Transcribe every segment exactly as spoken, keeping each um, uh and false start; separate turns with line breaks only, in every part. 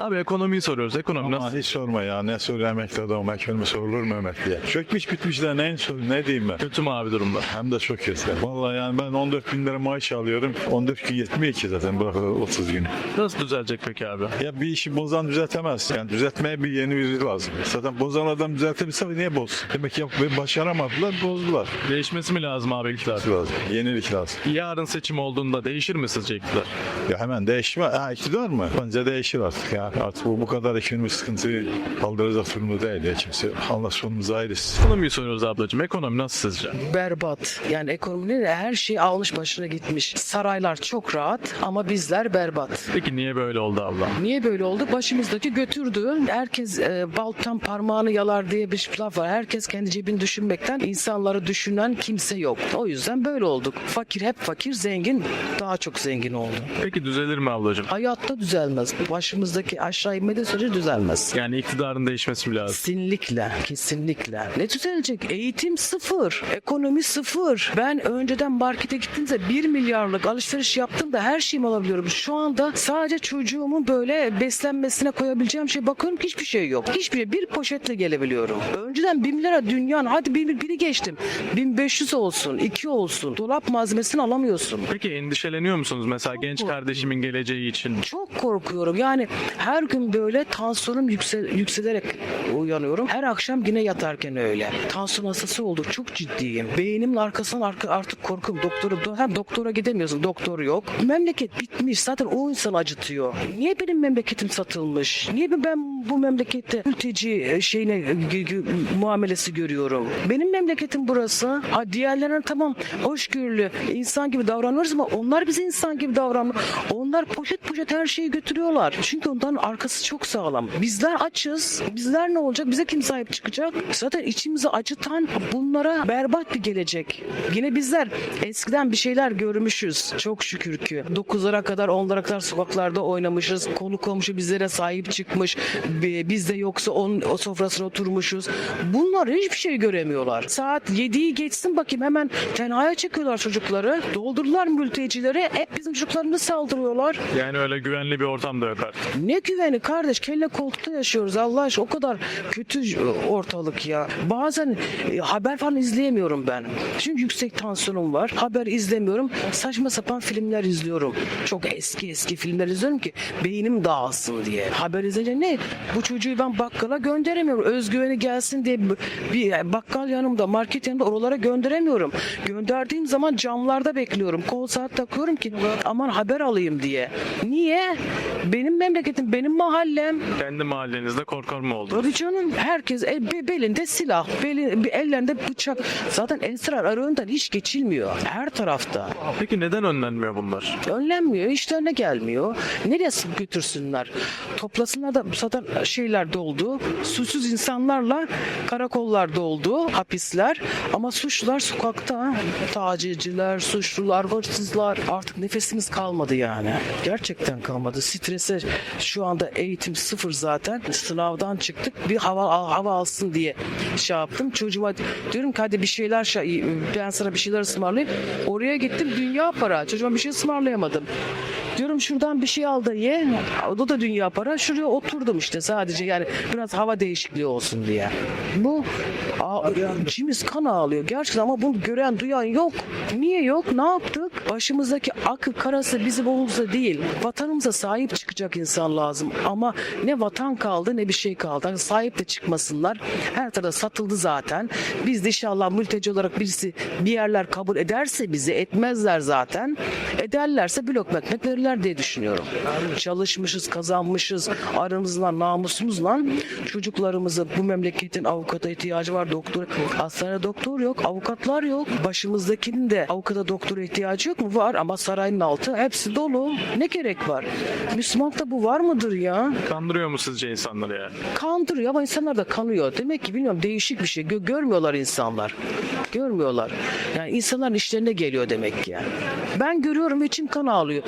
Abi ekonomiyi soruyoruz. Ekonomi
Ama
nasıl?
hiç sorma ya, ne soruyor emekli adam, ekonomi sorulur mu emekliye? Çökmüş bitmişler, neyin sor, ne diyeyim ben?
Kötü mü abi durumda?
Hem de çok kötü. Vallahi yani ben on dört bin lira maaş alıyorum. on dört gün yetmiyor ki zaten bırak otuz gün.
Nasıl düzelecek peki abi?
Ya bir işi bozan düzeltemez. Yani düzeltmeye bir yeni biri lazım. Zaten bozan adam düzeltebilse niye boz? Demek ki başaramadılar, bozdular.
Değişmesi mi lazım abi iktidar?
Lazım. Yenilik lazım.
Yarın seçim olduğunda değişir mi sizce iktidar?
Ya hemen değişme. Ha iktidar mı? Bence değişir artık ya. Artık bu, bu kadar ekonomik sıkıntıyı kaldıracak durumda değil ya kimse. Allah sonumuzu ayırsın.
Ekonomiyi soruyoruz ablacığım. Ekonomi nasıl sizce?
Berbat. Yani ekonominin her şey almış başına gitmiş. Saraylar çok rahat ama bizler berbat.
Peki niye böyle oldu abla?
Niye böyle oldu? Başımızdaki götürdü. Herkes e, baltan parmağını yalar diye bir laf var. Herkes kendi cebini düşünmekten insanları düşünen kimse yok. O yüzden böyle olduk. Fakir hep fakir, zengin daha çok zengin oldu.
Peki düzelir mi ablacığım?
Hayatta düzelmez. Başımızdaki aşağı inmediği sürece düzelmez.
Yani iktidarın değişmesi mi lazım?
Kesinlikle, kesinlikle. Ne düzelecek? Eğitim sıfır, ekonomi sıfır. Ben önceden markete gittiğimde bir milyarlık alışveriş yaptım da her şeyimi alabiliyorum. Şu anda sadece çocuğumun böyle beslenmesine koyabileceğim şey bakıyorum ki hiçbir şey yok. Hiçbir şey. Bir poşetle gelebiliyorum. Önceden bin lira dünyanın, hadi bir, biri geçtim. bin beş yüz olsun, iki olsun. Dolap malzemesini alamıyorsun.
Peki endişeleniyor musunuz mesela
Çok
genç
korkuyorum.
kardeşimin geleceği için?
Çok korkuyorum. Yani her gün böyle tansiyonum yüksel, yükselerek uyanıyorum. Her akşam yine yatarken öyle. Tansiyon hastası olduk. Çok ciddiyim. Beynimin arkasından arka, artık korkum. Doktoru, hem doktora gidemiyorsun. Doktor yok. Memleket bitmiş. Zaten o insan acıtıyor. Niye benim memleketim satılmış? Niye ben bu memlekette mülteci şeyine g- g- muamelesi görüyorum? Benim memleketim burası. Ha diğerlerine tamam hoşgörülü insan gibi davranıyoruz ama onlar bize insan gibi davranmıyor. Onlar poşet poşet her şeyi götürüyorlar. Çünkü onların arkası çok sağlam. Bizler açız. Bizler ne olacak? Bize kim sahip çıkacak? Zaten içimizi acıtan bunlara berbat bir gelecek. Yine bizler eskiden bir şeyler görmüşüz. Çok şükür ki. dokuzlara kadar onlara kadar sokaklarda oynamışız. Konu komşu bizlere sahip çıkmış. Biz de yoksa onun o sofrasına oturmuşuz. Bunlar hiçbir şey göremiyorlar. Saat yediyi geçsin bakayım hemen tenhaya çekiyorlar çocukları. Doldurdular mültecileri. Hep bizim çocuklarımızı saldırıyorlar.
Yani öyle güvenli bir ortam da yok artık.
Ne güveni kardeş, kelle koltukta yaşıyoruz Allah aşkına, o kadar kötü ortalık ya. Bazen e, haber falan izleyemiyorum ben. Çünkü yüksek tansiyonum var. Haber izlemiyorum. Saçma sapan filmler izliyorum. Çok eski eski filmler izliyorum ki beynim dağılsın diye. Haber izleyince ne? Bu çocuğu ben bakkala gönderemiyorum. Özgüveni gelsin diye bir bakkal yanımda, market yanımda, oralara gönderemiyorum. Gönderdiğim zaman camlarda bekliyorum. Kol saat takıyorum ki aman haber alayım diye. Niye? Benim memleketim, benim mahallem.
Kendi mahallenizde korkar mı oldu?
Tabii canım, herkes el, be- belinde silah, beli, ellerinde bıçak. Zaten esrar arığından hiç geçilmiyor. Her tarafta.
Peki neden önlenmiyor bunlar?
Önlenmiyor, işlerine gelmiyor. Nereye sık götürsünler? Toplasınlar da zaten şeyler doldu. Suçsuz insanlarla karakollar doldu, hapisler. Ama suçlular sokakta. Tacizciler, suçlular, hırsızlar. Artık nefesimiz kalmadı yani. Gerçekten kalmadı. Strese şu anda eğitim sıfır zaten. Sınavdan çıktık. Bir hava hava alsın diye şey yaptım. Çocuğuma diyorum ki hadi bir şeyler şey, ben sana bir şeyler ısmarlayayım. Oraya gittim, dünya para. Çocuğuma bir şey ısmarlayamadım. Diyorum şuradan bir şey al da ye. O da dünya para. Şuraya oturdum işte sadece, yani biraz hava değişikliği olsun diye. Bu a- içimiz kan ağlıyor gerçekten ama bunu gören duyan yok. Niye yok? Ne yaptık? Başımızdaki akı karası bizim omuzda değil. Vatanımıza sahip çıkacak insan lazım. Ama ne vatan kaldı ne bir şey kaldı. Yani sahip de çıkmasınlar. Her tarafta satıldı zaten. Biz de inşallah mülteci olarak birisi bir yerler kabul ederse bizi, etmezler zaten. Ederlerse bir lokma ekmek verirler diye düşünüyorum. Çalışmışız, kazanmışız. Aramızla, namusumuzla çocuklarımızı, bu memleketin avukata ihtiyacı var, doktor. Hastanede doktor yok, avukatlar yok. Başımızdakinin de avukata, doktora ihtiyacı yok mu? Var ama sarayın altı hepsi dolu. Ne gerek var? Müslümanlıkta bu var mıdır ya?
Kandırıyor mu sizce insanları yani?
Kandırıyor ama insanlar da kanıyor. Demek ki bilmiyorum, değişik bir şey. Gö- görmüyorlar insanlar. Görmüyorlar. Yani insanların işlerine geliyor demek ki yani. Ben görüyorum ve içim kan ağlıyor. Ne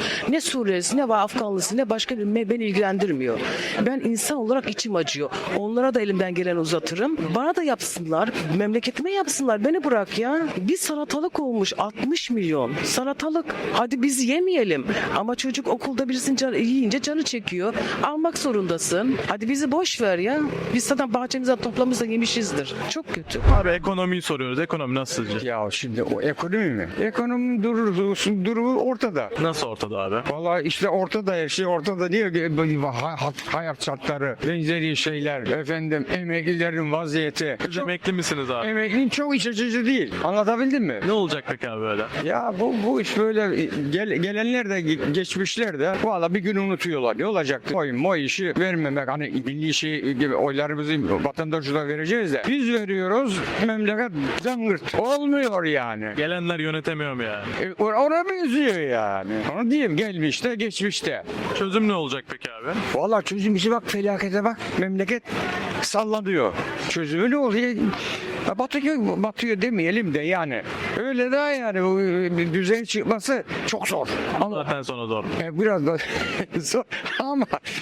Suriyelisi ne var Afganlısı ne başka bir me- beni ilgilendirmiyor. Ben insan olarak içim acıyor. Onlara da elimden gelen uzatırım. Bana da yapsınlar. Memleketime yapsınlar. Beni bırak ya. Bir salatalık olmuş altmış milyon. Salatalık. Hadi biz yemeyelim. Ama çocuk okulda birisinin canı, yiyince canı çekiyor. Almak zorundasın. Hadi bizi boş ver ya. Biz zaten bahçemizden toplamızda yemişizdir. Çok kötü.
Abi ekonomiyi soruyoruz. Ekonomi nasıl sizce?
Ya şimdi o ekonomi mi? Ekonominin durumu, durumu ortada.
Nasıl ortada abi?
Vallahi işte ortada her şey ortada diyor ki ha- ha- hayat şartları, benzeri şeyler, efendim emeklilerin vaziyeti.
Siz
Çok,
emekli misiniz abi?
emeklinin çok iç açıcı değil. Anlatabildim mi?
Ne olacak peki abi böyle?
Ya bu bu iş böyle gel, gelenler de geçmişler de valla bir gün unutuyorlar. Ne olacak? Oy moy işi vermemek hani milli şey gibi oylarımızı vatandaşlara vereceğiz de biz veriyoruz memleket zangırt. Olmuyor yani.
Gelenler yönetemiyor mu yani?
E, or- Ona benziyor yani. Onu diyeyim gelmişte geçmişte.
Çözüm ne olacak peki abi?
Valla çözüm işi bak felakete bak. Memleket sallanıyor. Çözümü ne oluyor? Ya Batıyor, batıyor demeyelim de yani. Öyle daha yani bu e, düzen çıkması çok zor. Ama
Zaten sonra zor.
e, biraz da zor ama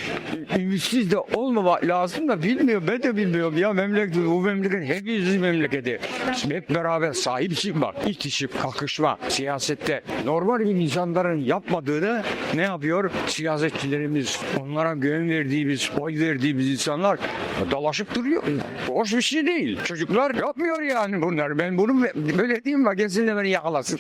ümitsiz de olmamak lazım da bilmiyorum. Ben de bilmiyorum ya memleket bu memleket hepimizin memleketi. Şimdi hep beraber sahip çıkmak, itişip kakışma siyasette normal bir insanların yapmadığını ne yapıyor? Siyasetçilerimiz, onlara güven verdiğimiz, oy verdiğimiz insanlar dalaşıp duruyor. Hoş bir şey değil. Çocuklar yapmıyor yani bunlar. Ben bunu böyle diyeyim bak gelsin de beni yakalasın.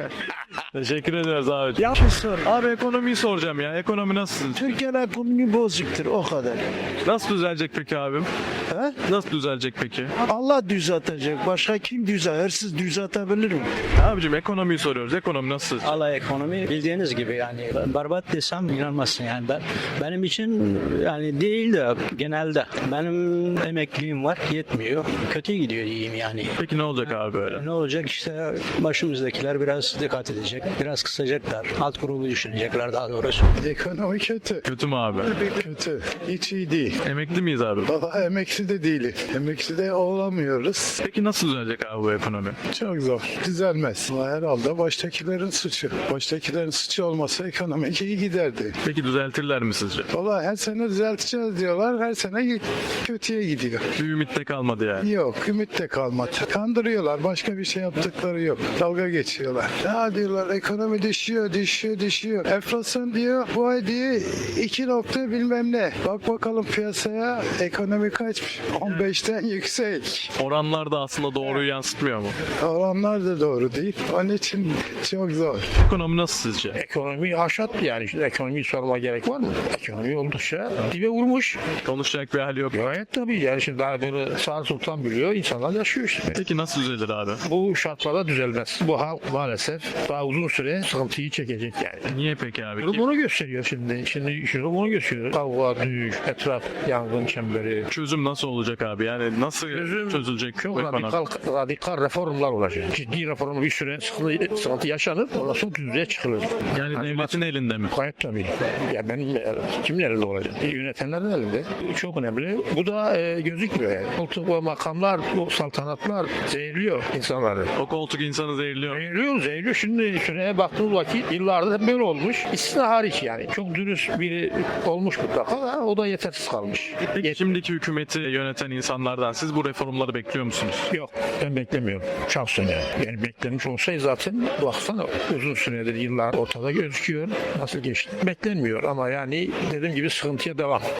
Teşekkür ederiz abi.
Ya bir sor.
Abi ekonomiyi soracağım ya. Ekonomi nasıl?
Türkiye'nin ekonomi bozuktur o kadar.
Nasıl düzelecek peki abim?
He?
Nasıl düzelecek peki?
Allah düzeltecek. Başka kim düzeltir? Siz düzeltebilir mi?
Abicim ekonomiyi soruyoruz. Ekonomi nasıl?
Allah ekonomi bildiğiniz gibi yani berbat desem inanmazsın yani ben benim için yani değil de genelde benim emekliliğim var yetmiyor kötü gidiyor diyeyim yani.
Peki ne olacak abi böyle?
Ne olacak işte başımızdakiler biraz dikkat edecek biraz kısacaklar alt grubu düşünecekler daha doğrusu.
Ekonomi kötü.
Kötü mü abi?
Kötü. Hiç iyi değil.
Emekli miyiz abi?
Valla emekli de değiliz. Emekli de olamıyoruz.
Peki nasıl düzelecek abi bu ekonomi?
Çok zor. Düzelmez. Ama herhalde baştakilerin suçu. Baştakilerin suçu olmasa ekonomi iyi giderdi.
Peki düzeltirler mi sizce?
Valla her sene düzelteceğiz diyorlar. Her sene kötüye gidiyor.
Bir ümit de kalmadı yani.
Yok, ümit de kalmadı. Kandırıyorlar. Başka bir şey yaptıkları yok. Dalga geçiyorlar. Ya diyorlar ekonomi düşüyor, düşüyor, düşüyor. Enflasyon diyor, bu ay diyor iki nokta bilmem ne. Bak bakalım piyasaya ekonomi kaç? on beşten yüksek.
Oranlar da aslında doğruyu yansıtmıyor mu?
Oranlar da doğru değil. Onun için çok zor.
Ekonomi nasıl sizce?
Ekonomi haşat yani. Şimdi ekonomiyi sorma gerek var mı? Ekonomi oldukça dibe vurmuş.
Konuşacak bir hal yok.
Gayet tabii yani şimdi daha böyle sağ sultan biliyor insanlar yaşıyor işte.
Peki nasıl düzelir abi?
Bu şartlarda düzelmez. Bu halk maalesef daha uzun süre sıkıntıyı çekecek yani.
Niye peki abi?
Durum bunu gösteriyor şimdi. Şimdi şunu bunu gösteriyor. Kavga, düğüş, etraf, yangın çemberi.
Çözüm nasıl olacak abi? Yani nasıl
Çözüm
çözülecek
Çok
bu ekonomi?
radikal, radikal reformlar olacak. Ciddi reform bir süre sıkıntı, sıkıntı yaşanır. Ondan sonra düzeye çıkılır.
Yani devletin elinde mi?
Gayet tabii. Ya benim e, kimin elinde olacak? E, yönetenlerin elinde. Çok önemli. Bu da e, gözükmüyor yani. Koltuk ve makamlar, o saltanatlar zehirliyor insanları.
O koltuk insanı zehirliyor.
Zehirliyor, zehirliyor. Şimdi şuraya baktığımız vakit yıllarda hep böyle olmuş. İstisna hariç yani. Çok dürüst biri olmuş mutlaka da o da yetersiz kalmış.
Peki şimdiki hükümeti yöneten insanlardan siz bu reformları bekliyor musunuz?
Yok, ben beklemiyorum. Şahsen yani. Yani beklenmiş olsaydı zaten baksana uzun süredir yıllar ortada gözüküyor. Nasıl geçti? Beklenmiyor ama yani dediğim gibi sıkıntıya devam.